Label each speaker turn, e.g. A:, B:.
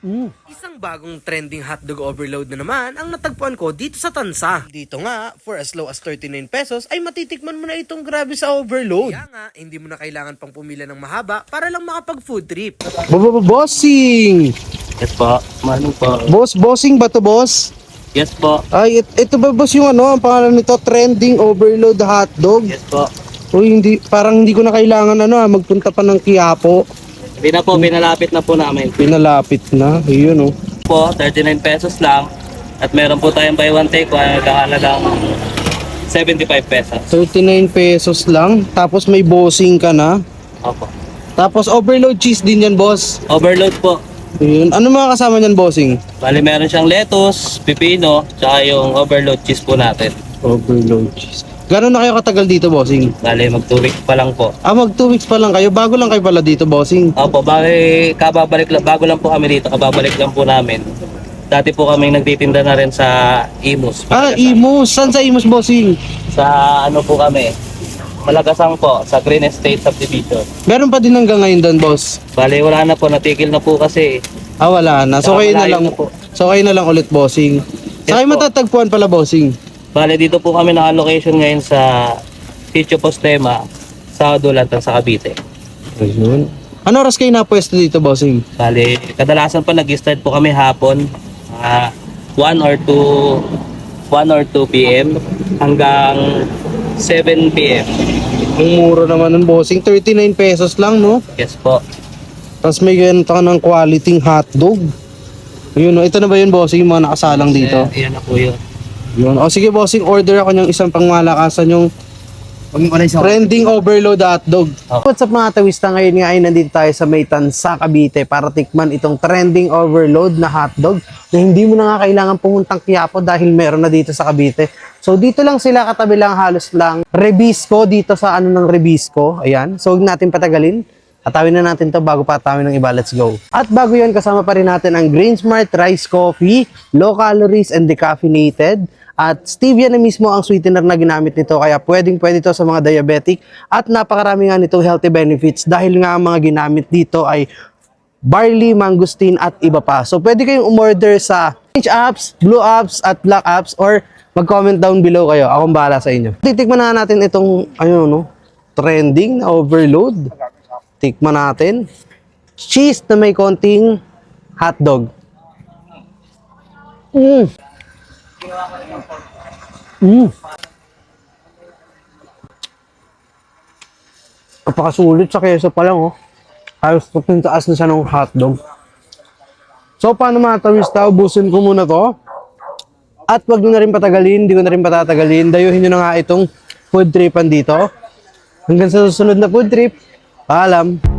A: Isang bagong trending hotdog overload na naman ang natagpuan ko dito sa Tansa. Dito nga, for as low as 39 pesos ay matitikman mo na itong grabe sa overload. Kaya nga, hindi mo na kailangan pang pumila ng mahaba para lang makapag food trip.
B: Bossing!
C: Yes po. Mano po?
B: Bossing ba to, boss?
C: Yes po.
B: Ay, ito ba boss yung ano, ang pangalan nito, trending overload hotdog?
C: Yes po.
B: Uy, parang hindi ko na kailangan magpunta pa ng Quiapo.
C: Hindi na po, pinalapit na po namin.
B: Pinalapit na, yun oh.
C: Po, 39 pesos lang. At meron po tayong buy one take one, nagkakalagang 75 pesos.
B: 39 pesos lang, tapos may bossing ka na.
C: Opo.
B: Tapos overload cheese din yan, boss.
C: Overload po.
B: Yun. Ano mga kasama niyan, bossing?
C: Bali meron siyang lettuce, pipino, tsaka yung overload cheese po natin.
B: Overload cheese. Gano'n na kayo katagal dito, bossing?
C: Bali mag 2 weeks pa lang po.
B: Mag 2 weeks pa lang kayo. Bago lang kayo pala dito, bossing.
C: Opo, bali kababalik lang, bago lang po kami dito, kababalik lang po namin. Dati po kami nagtitinda na rin sa Imus.
B: Imus. Saan sa Imus, bossing?
C: Sa ano po kami, Malagasang po, sa Green Estate Subdivision.
B: Meron pa din hanggang ngayon doon, boss?
C: Bali wala na po, natigil na po kasi.
B: Wala na. So kayo na lang.
C: Po.
B: So kayo na lang ulit, bossing. Sa kayo
C: po.
B: matatagpuan pala, bossing?
C: Bale, dito po kami naka-location ngayon sa Sitio Postema, sa Dulatan, sa Cavite.
B: Ayun. Ano oras kayo napwesto dito, bossing?
C: Bale, kadalasan pa nag-start po kami hapon, 1 or 2 p.m. hanggang 7 p.m.
B: Ang mura naman ng bossing. 39 pesos lang, no?
C: Yes po.
B: Tapos may ganito ka ng quality hotdog. Ayun, no? Ito na ba yun, bossing? Yung mga nakasalang dito?
C: Iyan na po yun.
B: Yun. O sige, bossing, order ako ng isang pangmalakasan yung trending overload hotdog. What's up mga tawista? Ngayon nga ay nandito tayo sa May Tansa, Cavite para tikman itong trending overload na hotdog na hindi mo na nga kailangan pumuntang Quiapo dahil meron na dito sa Cavite. So dito lang sila, katabi lang, halos lang Rebisco, dito sa ano ng Rebisco. Ayan. So huwag natin patagalin. Atawin na natin to bago pa atawin ng iba. Let's go. At bago yun, kasama pa rin natin ang Green Smart Rice Coffee, low calories and decaffeinated. At stevia na mismo ang sweetener na ginamit nito. Kaya pwede to sa mga diabetic. At napakarami nga nitong healthy benefits dahil nga ang mga ginamit dito ay barley, mangosteen at iba pa. So pwede kayong umorder sa orange apps, blue apps at black apps or mag-comment down below kayo. Akong bahala sa inyo. Titikman na natin itong trending na overload. Tikman natin. Cheese na may konting hotdog. Napakasulit sa keso pa lang, oh. Halos taas na siya ng hotdog. So, paano mga tawista? Ubusin ko muna to. At wag nyo na rin patagalin, hindi ko na rin patatagalin. Dayuhin nyo na nga itong food tripan dito. Hanggang sa susunod na food trip. Paalam.